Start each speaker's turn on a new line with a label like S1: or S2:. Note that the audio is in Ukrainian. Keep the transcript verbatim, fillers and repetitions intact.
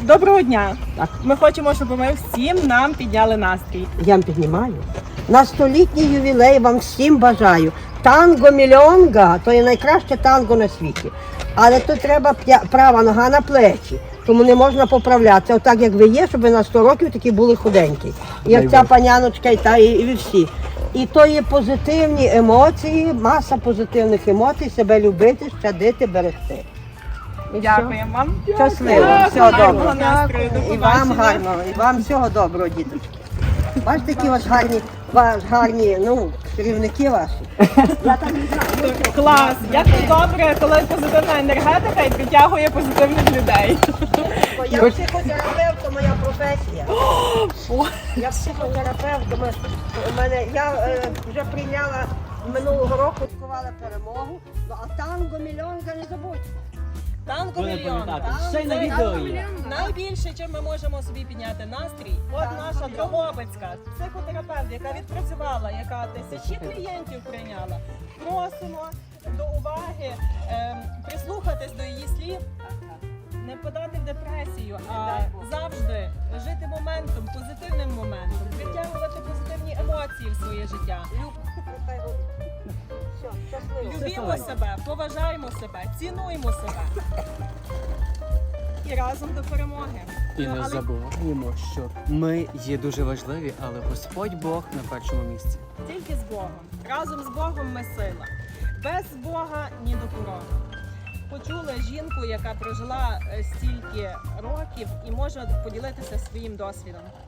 S1: Доброго дня!
S2: Так.
S1: Ми хочемо, щоб ви всім нам підняли настрій.
S2: Я вам піднімаю. На столітній ювілей вам всім бажаю. Танго мільйонга – то є найкраще танго на світі. Але тут треба п'я- права нога на плечі, тому не можна поправлятися. Отак, як ви є, щоб ви на сто років такі були худенькі. Як ця паняночка і та, і, і ви всі. І то є позитивні емоції, маса позитивних емоцій, себе любити, щадити, берегти. І
S1: Дякуємо вам.
S2: все. Щасливо,
S1: Дякую,
S2: всього
S1: гарного
S2: доброго.
S1: настрою, до
S2: І вам
S1: побачення.
S2: гарного, і вам всього доброго, діточки. Бачите, які у вас гарні, ваш гарні, ну, керівники ваші. Я так не знаю.
S1: Клас! Як добре, коли позитивна енергетика і притягує позитивних людей.
S2: Бо я психотерапевт, то моя професія. Я психотерапевт, то ми- у мене, я е, вже прийняла минулого року, святкувала перемогу, ну, а танго мільйонка не забудь.
S1: Танго
S3: Ви не
S1: мільйон.
S3: пам'ятаєте, ще й на відео є.
S1: Найбільше, чим ми можемо собі підняти настрій, от наша Дрогобицька психотерапевт, яка відпрацювала, яка тисячі клієнтів прийняла. Просимо до уваги, ем, прислухатись до її слів, не подати в депресію, а завжди жити моментом, позитивним моментом, притягувати позитивні емоції в своє життя.
S2: Все, щасливо.
S1: Любімо себе, поважаємо себе, цінуємо себе. І разом до перемоги.
S3: І
S1: Ну,
S3: не
S1: але
S3: забуваємо, що ми є дуже важливі, але Господь Бог на першому місці.
S1: тільки з Богом. Разом з Богом ми сила. Без Бога ні до порога. Почули жінку, яка прожила е, стільки років і може поділитися своїм досвідом.